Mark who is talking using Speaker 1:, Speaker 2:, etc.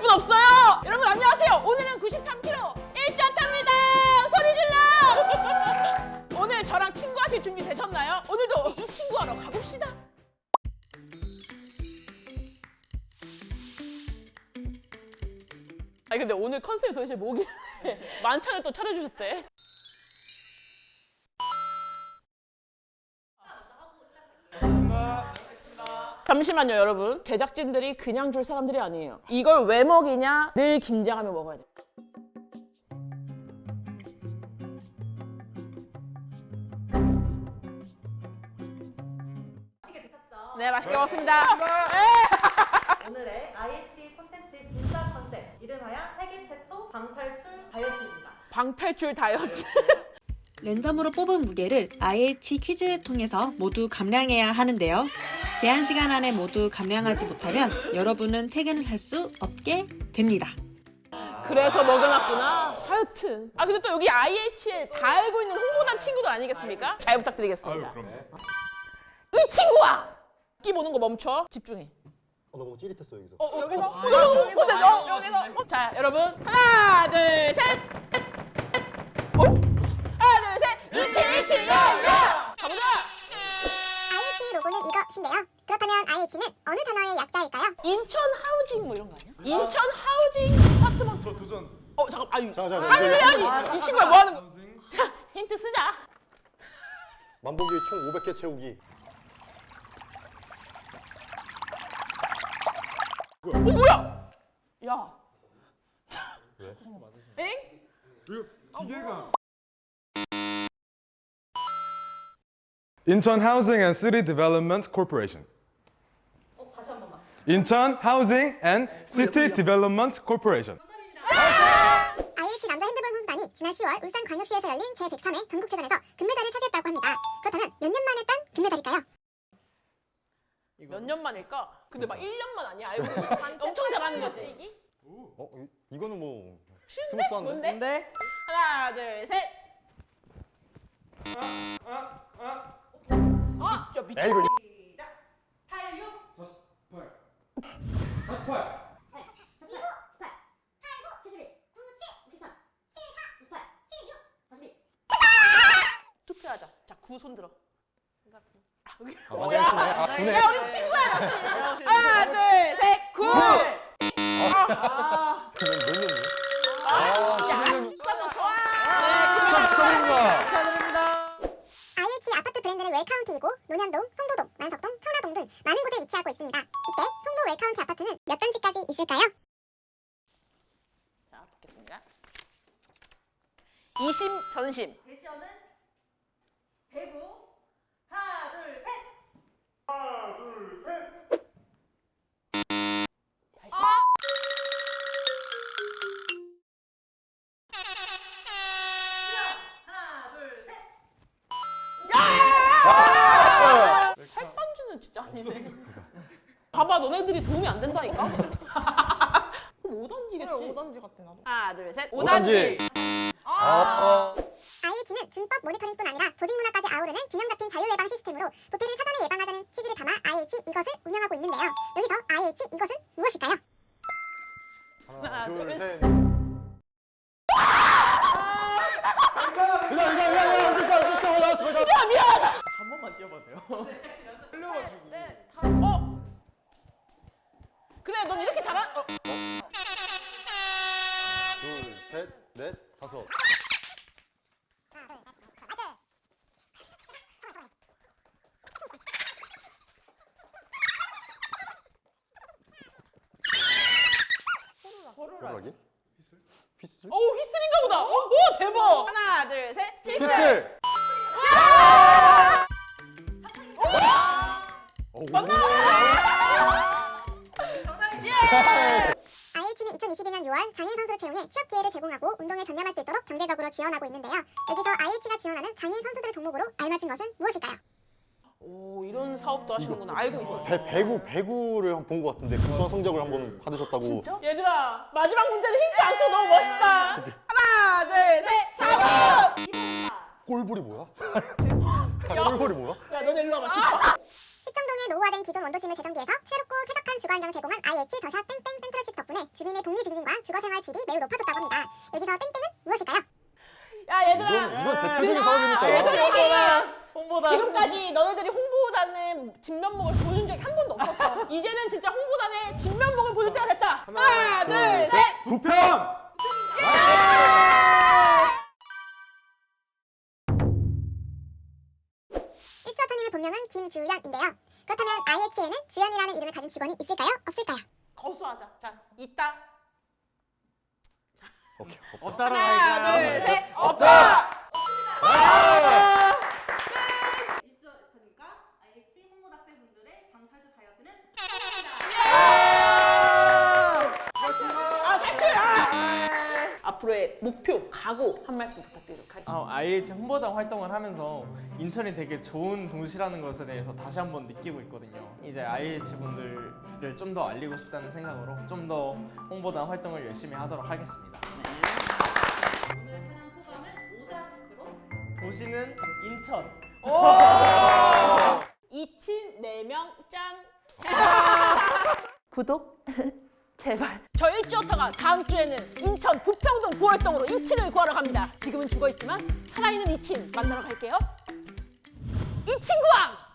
Speaker 1: 분 없어요. 여러분 안녕하세요. 오늘은 93kg 1쿼터입니다. 소리 질러. 오늘 저랑 친구하실 준비 되셨나요? 오늘도 이 친구하러 가봅시다. 아니 근데 오늘 컨셉이 도대체 뭐길래 만찬을 또 차려주셨대. 잠시만요 여러분. 제작진들이 그냥 줄 사람들이 아니에요. 이걸 왜 먹이냐 늘 긴장하며 먹어야 돼.
Speaker 2: 맛있게 드셨죠?
Speaker 1: 네 맛있게 먹었습니다.
Speaker 2: 오늘의 IH 콘텐츠의 진짜 컨셉 이름하여 세계 최초 방탈출 다이어트입니다.
Speaker 1: 방탈출 다이어트.
Speaker 3: 랜덤으로 뽑은 무게를 IH 퀴즈를 통해서 모두 감량해야 하는데요. 제한 시간 안에 모두 감량하지 못하면 여러분은 퇴근을 할 수 없게 됩니다.
Speaker 1: 그래서 먹여놨구나. 하여튼. 아 근데 또 여기 IH에 다 알고 있는 홍보단 친구들 아니겠습니까? 잘 부탁드리겠습니다. 이 친구야! 끼 보는 거 멈춰. 집중해.
Speaker 4: 너무 찌릿했어 여기서.
Speaker 1: 여기서. 자 여러분 하나 둘 셋. 하나 둘 셋. 이치 야야. 가보자.
Speaker 5: IH 로고는 이것인데요. 그렇다면 IH는 어느 단어의 약자일까요?
Speaker 1: 인천 하우징 뭐 이런 거 아니야? 인천 하우징 아파트먼트.
Speaker 6: 저 도전.
Speaker 1: 잠깐. 아유.
Speaker 4: 잠깐.
Speaker 1: 하늘 해야지. 이 친구야 뭐 하는 거? 자 힌트 쓰자.
Speaker 4: 만보기 총 500개 채우기.
Speaker 1: 뭐야? 야.
Speaker 4: 왜?
Speaker 1: 엥?
Speaker 6: 기계가. 인천 Housing and City Development Corporation.
Speaker 2: 다시 한 번만.
Speaker 6: 인천 Housing and City Development Corporation.
Speaker 5: IH 남자 핸드볼 선수단이 지난 10월 울산광역시에서 열린 제103회 전국체전에서 금메달을 차지했다고 합니다. 그렇다면 몇 년 만에 딴 금메달일까요?
Speaker 1: 몇 년 만일까? 근데 막 1년만 아니야. 알고 보니 엄청 잘하는 거지.
Speaker 4: 이거는 뭐
Speaker 1: 쉬운데?
Speaker 4: 스무스한데?
Speaker 1: 뭔데? 하나, 둘, 셋. 야 미쳐.
Speaker 4: 야 이거
Speaker 2: 시작. 86.
Speaker 6: 48. 48.
Speaker 1: 투표하자. 자, 9 손 들어.
Speaker 4: 맞아. 아, 구네.
Speaker 1: 야, 우리 친구야. 하나, 둘, 셋, 9.
Speaker 4: 몇 년이야?
Speaker 1: 야,
Speaker 4: 11년.
Speaker 1: 축하는 좋아.
Speaker 4: 축하드립니다.
Speaker 5: IH 아파트 브랜드는 웰카운티이고 논현동, 송도동, 만석동, 청라동 등 많은 곳에 위치하고 있습니다. 이때 송도 웰카운티 아파트는 몇 단지까지 있을까요?
Speaker 1: 자, 붙겠습니다. 20 전심.
Speaker 2: 제시어는 대구. 하나, 둘, 셋. 하나, 둘, 셋.
Speaker 1: 팔반주는 진짜 아니네. 봐봐, 너네들이 도움이 안 된다니까? 그럼 5단지겠지?
Speaker 2: 5단지 같아 나도.
Speaker 1: 하나, 둘, 셋.
Speaker 4: 5단지.
Speaker 1: 5단지.
Speaker 5: IH는 준법 모니터링뿐 아니라 조직 문화까지 아우르는 균형 잡힌 자율 예방 시스템으로 부패를 사전에 예방하자는 취지를 담아 IH 이것을 운영하고 있는데요. 여기서 IH 이것은 무엇일까요?
Speaker 4: 하나, 둘,
Speaker 1: 둘,
Speaker 4: 셋.
Speaker 6: 한 번만 뛰어봐도 돼요?
Speaker 1: 그래, 넌 이렇게 잘한...
Speaker 4: 둘, 셋, 넷, 다섯. 호루라기? 휘슬?
Speaker 1: 오, 휘슬인가 보다. 오, 대박. 하나, 둘, 셋. 휘슬.
Speaker 4: 휘슬!
Speaker 5: IH는 2022년 6월 장애인 선수를 채용해 취업 기회를 제공하고 운동에 전념할 수 있도록 경제적으로 지원하고 있는데요. 여기서 IH가 지원하는 장애인 선수들의 종목으로 알맞은 것은 무엇일까요?
Speaker 1: 오, 이런 사업도 하시는구나. 알고 있었어.
Speaker 4: 배구를 본 것 같은데 우수한 성적을 한번 받으셨다고.
Speaker 1: 진짜? 얘들아, 마지막 문제는 힌트 안 써. 너무 멋있다. 하나, 둘, 셋. 4번.
Speaker 4: 꼴불이 뭐야? 꼴불이 뭐야?
Speaker 1: 야, 너네 일로 와봐. 진짜.
Speaker 5: 시청동에 노후화된 기존 원도심을 재정비해서 새롭고 쾌적한 주거 환경을 제공한 IH 더샵 땡땡 센트럴십 덕분에 주민의 복리 증진과 주거생활 질이 매우 높아졌다고 합니다. 여기서 땡땡은 무엇일까요?
Speaker 1: 야 얘들아.
Speaker 4: 이건 대표적인 사업이니까.
Speaker 1: 솔직히 지금까지 너네들이 홍보단의 진면목을 보여준 적이 한 번도 없었어. 이제는 진짜 홍보단의 진면목을 보여줄 때가 됐다. 하나, 둘, 셋.
Speaker 6: 부평!
Speaker 5: 일주어터님의 본명은 김주연인데요. 그렇다면 IH에는 주연이라는 이름을 가진 직원이 있을까요? 없을까요?
Speaker 1: 거수하자. 자, 있다.
Speaker 4: 오케이.
Speaker 1: 하나, 둘, 셋. 없다.
Speaker 2: 일주어터님과 IH 홍보학생분들의 방탈출 다이어트는
Speaker 1: 아, 탈출. 앞으로의 목표, 각오 한 말씀 부탁드리도록 하겠습니다.
Speaker 7: IH 홍보단 활동을 하면서 인천이 되게 좋은 도시라는 것에 대해서 다시 한번 느끼고 있거든요. 이제 IH 분들을 좀 더 알리고 싶다는 생각으로 좀 더 홍보단 활동을 열심히 하도록 하겠습니다.
Speaker 2: 오늘 촬영 소감을 5자극으로
Speaker 7: 도시는 인천.
Speaker 1: 이친 4명 짠. 구독 제발. 저 일주어터가 다음 주에는 인천 부평동 구월동으로 이친을 구하러 갑니다. 지금은 죽어있지만 살아있는 이친 만나러 갈게요. 이친구왕!